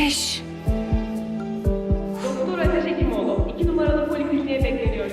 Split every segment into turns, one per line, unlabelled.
5.
Doktor Ateş Hekimoğlu, 2 numaralı polikliniğe bekleniyor.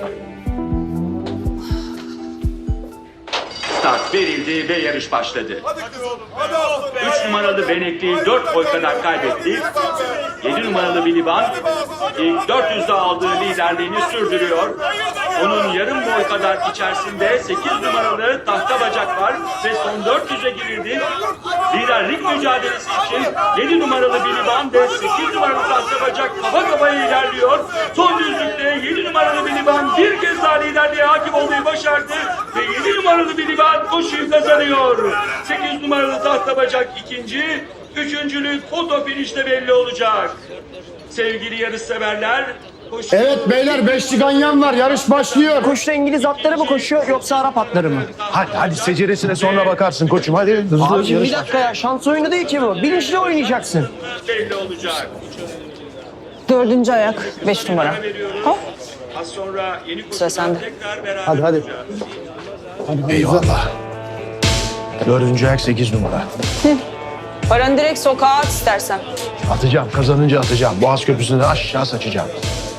Start verildi ve yarış başladı.
Hadi oğlum.
3 numaralı Benekli 4 boy kadar kaybetti. 7 numaralı Biliban ilk 400'de aldığı liderliğini sürdürüyor. Onun yarım boy kadar içerisinde 8 numaralı Tahta Bacak var ve son 400'e girildi. Liderlik mücadelesi için 7 numaralı Biliban ve 8 numaralı Tahta Bacak kafa kafaya ilerliyor. Son düzlükte 7 numaralı Biliban bir kez daha liderliğe hakim olmayı başardı ve 7 numaralı Biliban koşuyu kazanıyor. 8 numaralı Tahta Bacak ikinci, üçüncülük foto finişte belli olacak. Sevgili yarışseverler,
Evet beyler, 5 ganyan var, yarış başlıyor.
Koşuda İngiliz atları mı koşuyor yoksa Arap atları mı?
Hadi seceresine sonra bakarsın koçum. Hadi hızlı
Abi
yarış.
bir dakika ya, şans oyunu değil ki bu. Bilinçli oynayacaksın.
belli olacak.
4. ayak 5 numara. Hop.
Az sonra yeni
Sıra
koşuda
sende.
tekrar beraber
Hadi.
olacağız.
Eyvallah. 4. ayak 8 numara.
Paranı direkt sokağa at istersen.
Atacağım, kazanınca atacağım. Boğaz Köprüsü'nden aşağı saçacağım.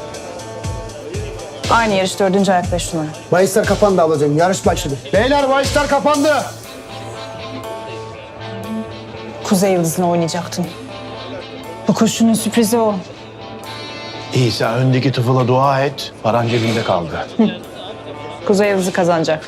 Aynı yarış 4. ayak 5 numara.
Bahisler kapandı ablacığım, yarış başladı. Beyler bahisler kapandı.
Kuzey Yıldızı'na oynayacaktın. Bu koşunun sürprizi o.
İsa öndeki tıfıla dua et. Paran cebinde kaldı.
Kuzey Yıldızı kazanacak.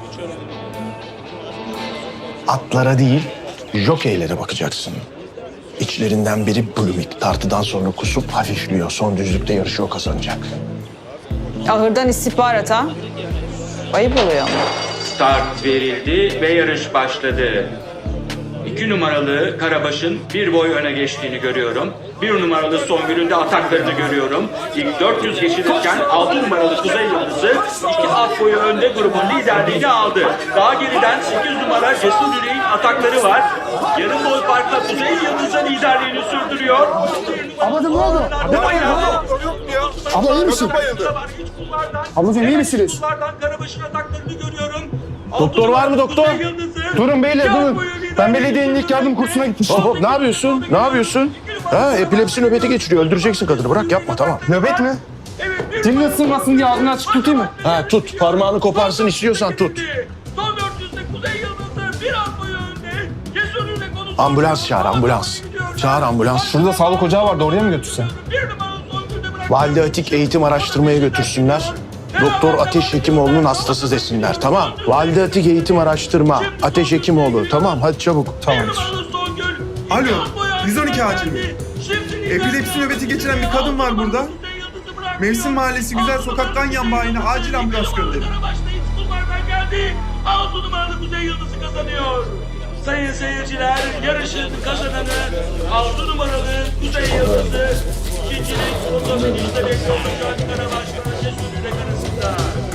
Atlara değil, jokeylere bakacaksın. İçlerinden biri Blumik. Tartıdan sonra kusup hafifliyor. Son düzlükte yarışı o kazanacak.
Ahırdan istihbarat ha. Ayıp oluyor ama.
Start verildi ve yarış başladı. 2 numaralı Karabaş'ın bir boy öne geçtiğini görüyorum. 1 numaralı Songül'ün de ataklarını görüyorum. İlk 400 geçilirken 6 numaralı Kuzey Yıldızı 2 at boyu önde grubun liderliğini aldı. Daha geriden 8 numara Cesur Yüreğin atakları var. Yarım boy farkla Kuzey Yıldızı liderliğini sürdürüyor.
Ablacığım ne oldu? Abla iyi misin? Ablacığım iyi misiniz?
Karabaş'ın ataklarını görüyorum.
Doktor var mı doktor?
Kuzey Yıldızı,
Durun beyler,
iki at
durun.
boyu
Ben
liderliğini
belediyenin ilk yardım kursuna gitmiştim.
Hop hop, ne yapıyorsun? Ne yapıyorsun? Ha, epilepsi nöbeti geçiriyor. Öldüreceksin kadını. Bırak yapma, tamam.
Nöbet mi? Dilini ısırmasın diye ağzını açık tutayım mı?
Ha, tut. Parmağını koparsın istiyorsan tut.
Son 400'de Kuzey Yıldızı bir an boyu önde. Cesur Yürek onu
Ambulans çağır, ambulans. Çağır ambulans.
Şurada sağlık ocağı vardı, oraya mı götürsen?
bir numaralı Songül'de bırak.
Valide Atik eğitim araştırmaya götürsünler. Doktor Ateş Hekimoğlu'nun hastası desinler, tamam. Valide Atik eğitim araştırma. Ateş Hekimoğlu, tamam. Hadi çabuk.
Tamamdır.
Alo, 112 acil mi? Epilepsi nöbeti geçiren bir kadın var burada. Mevsim Mahallesi Güzel Sokak'tan yan bayine acil ambulans gönderin.
Geldi. 6 numaralı Kuzey Yıldızı kazanıyor. Sayın seyirciler, yarışın kazananı 6 numaralı Kuzey Yıldızı. İkincilik fotoğrafınızda belli olacak Karabaş'la Cesur Yürek arasında.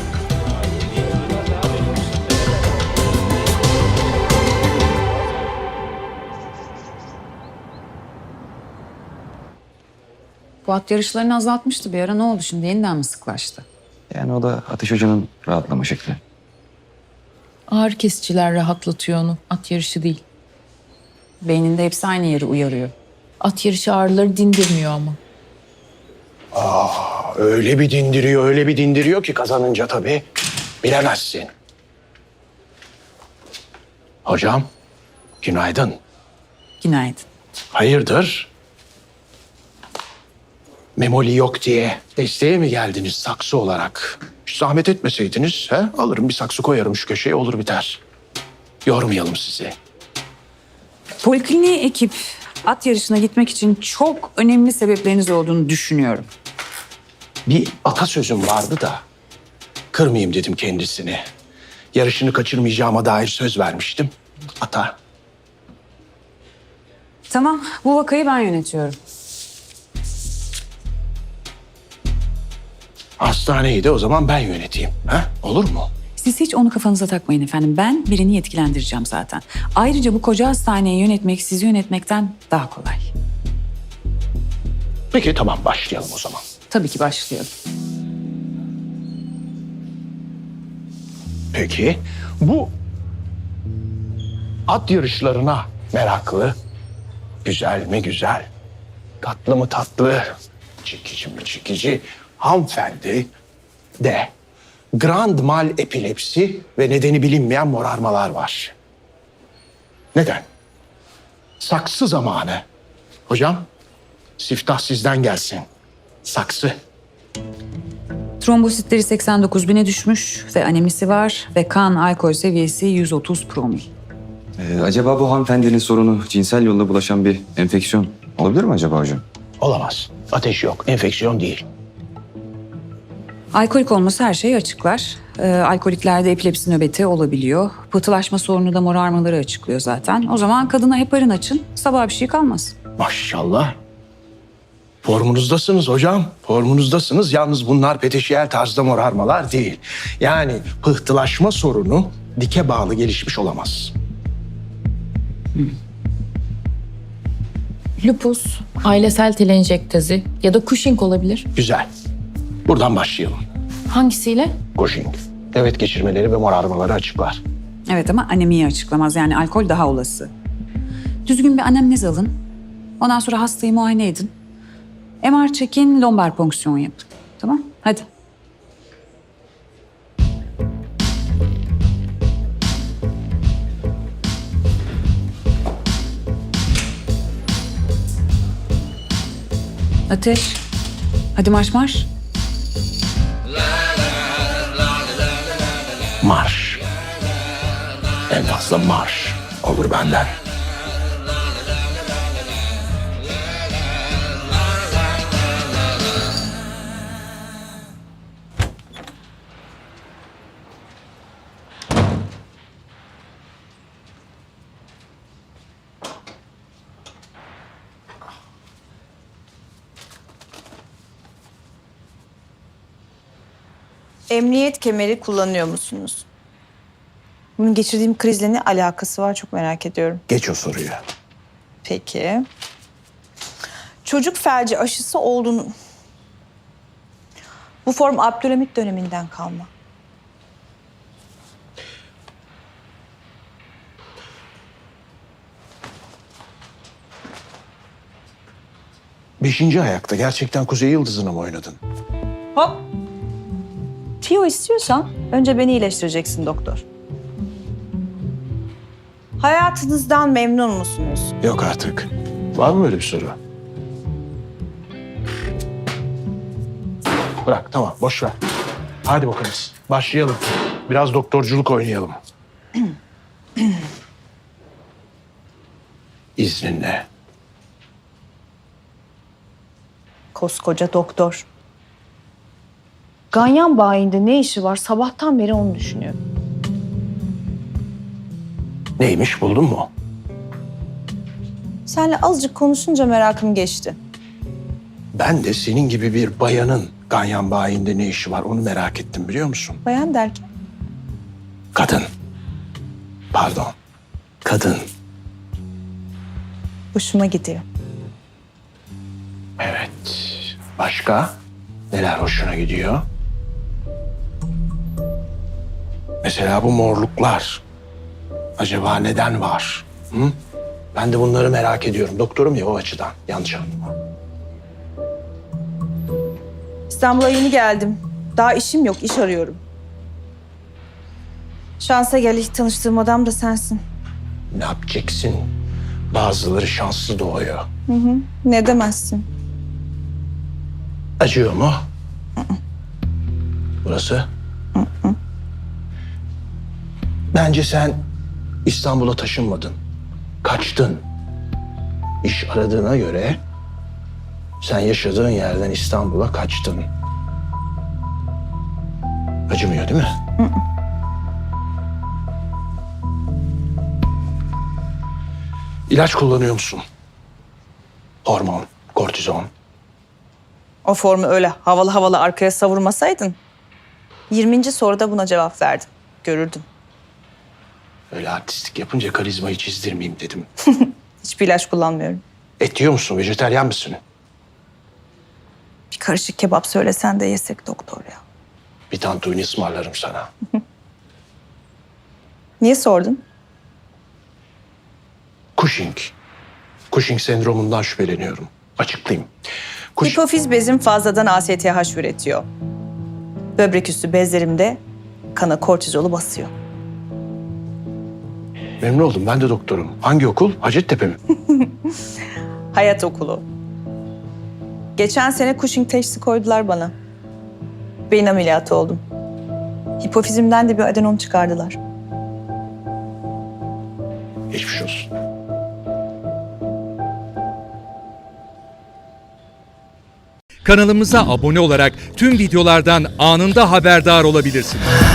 Bu at yarışlarını azaltmıştı bir ara. Ne oldu şimdi? Yeniden mi sıklaştı?
Yani o da Ateş Hoca'nın rahatlama şekli.
Ağrı kesiciler rahatlatıyor onu. At yarışı değil. Beyninde hepsi aynı yeri uyarıyor. At yarışı ağrıları dindirmiyor ama.
Öyle bir dindiriyor ki kazanınca tabii. Bilemezsin. Hocam, günaydın.
Günaydın.
Hayırdır? Memoli yok diye desteğe mi geldiniz saksı olarak? Hiç zahmet etmeseydiniz, alırım bir saksı koyarım şu köşeye, olur biter. Yormayalım sizi.
Polikliniğe ekip at yarışına gitmek için çok önemli sebepleriniz olduğunu düşünüyorum.
Bir atasözüm vardı da kırmayayım dedim kendisini. Yarışını kaçırmayacağıma dair söz vermiştim. Ata.
Tamam, bu vakayı ben yönetiyorum.
Hastaneyi de o zaman ben yöneteyim. Olur mu?
Siz hiç onu kafanıza takmayın efendim. Ben birini yetkilendireceğim zaten. Ayrıca bu koca hastaneyi yönetmek sizi yönetmekten daha kolay.
Peki tamam, başlayalım o zaman.
Tabii ki başlayalım.
Peki bu at yarışlarına meraklı, güzel mi güzel, tatlı mı tatlı, çekici mi çekici hanımefendi de grand mal epilepsi ve nedeni bilinmeyen morarmalar var. Neden? Saksı zamanı. Hocam, siftah sizden gelsin. Saksı.
Trombositleri 89 bine düşmüş ve anemisi var ve kan alkol seviyesi 130 promil.
Acaba bu hanımefendinin sorunu cinsel yolla bulaşan bir enfeksiyon olabilir mi acaba hocam?
Olamaz. Ateş yok, enfeksiyon değil.
Alkolik olması her şeyi açıklar. Alkoliklerde epilepsi nöbeti olabiliyor. Pıhtılaşma sorunu da morarmaları açıklıyor zaten. O zaman kadına heparin açın, sabah bir şey kalmaz.
Maşallah. Formunuzdasınız hocam. Formunuzdasınız. Yalnız bunlar peteşiyel tarzda morarmalar değil. Yani pıhtılaşma sorunu dike bağlı gelişmiş olamaz.
Lupus, ailesel telenjektezi ya da Cushing olabilir.
Güzel. Buradan başlayalım.
Hangisiyle?
Cushing. Evet geçirmeleri ve morarmaları açıklar.
Evet ama anemiyi açıklamaz. Yani alkol daha olası. Düzgün bir anemnez alın. Ondan sonra hastayı muayene edin. MR çekin, lombar ponksiyon yapın. Tamam? Hadi. Ateş. Hadi marş marş.
Marş. En fazla marş olur benden.
Emniyet kemeri kullanıyor musunuz? Bunun geçirdiğim krizle ne alakası var çok merak ediyorum.
Geç o soruyu.
Peki. Çocuk felci aşısı olduğunu... Bu form Abdülhamit döneminden kalma.
Beşinci ayakta gerçekten Kuzey Yıldızı'nı mı oynadın?
Hop. Tiyo istiyorsan önce beni iyileştireceksin doktor. Hayatınızdan memnun musunuz?
Yok artık. Var mı öyle bir soru? Bırak tamam boş ver. Hadi bakalım başlayalım. Biraz doktorculuk oynayalım. İzninle.
Koskoca doktor. Ganyan bayinde ne işi var? Sabahtan beri onu düşünüyorum.
Neymiş buldun mu?
Seninle azıcık konuşunca merakım geçti.
Ben de senin gibi bir bayanın ganyan bayinde ne işi var onu merak ettim biliyor musun?
Bayan derken?
Kadın. Pardon. Kadın.
Hoşuma gidiyor.
Evet. Başka? Neler hoşuna gidiyor? Mesela bu morluklar. Acaba neden var? Hı? Ben de bunları merak ediyorum. Doktorum ya o açıdan. Yanlış anlama.
İstanbul'a yeni geldim. Daha işim yok, iş arıyorum. Şansa gel, ilk tanıştığım adam da sensin.
Ne yapacaksın? Bazıları şanslı doğuyor.
Ne demezsin?
Acıyor mu? Burası? Bence sen İstanbul'a taşınmadın. Kaçtın. İş aradığına göre sen yaşadığın yerden İstanbul'a kaçtın. Acımıyor değil mi? İlaç kullanıyor musun? Hormon, kortizon.
O formu öyle havalı havalı arkaya savurmasaydın... 20. soruda buna cevap verdim. Görürdün.
Öyle artistlik yapınca karizmayı çizdirmeyeyim dedim.
Hiçbir ilaç kullanmıyorum.
Et yiyor musun? Vejeteryan mısın?
Bir karışık kebap söylesen de yesek doktor ya.
Bir tantuni ısmarlarım sana.
Niye sordun?
Cushing. Cushing sendromundan şüpheleniyorum. Açıklayayım.
Hipofiz bezim fazladan ASTH üretiyor. Böbrek üstü bezlerimde kana kortizolu basıyor.
Memnun oldum. Ben de doktorum. Hangi okul? Hacettepe mi?
Hayat okulu. Geçen sene Cushing teşhisi koydular bana. Beyin ameliyatı oldum. Hipofizimden de bir adenom çıkardılar.
Geçmiş olsun.
Kanalımıza abone olarak tüm videolardan anında haberdar olabilirsiniz.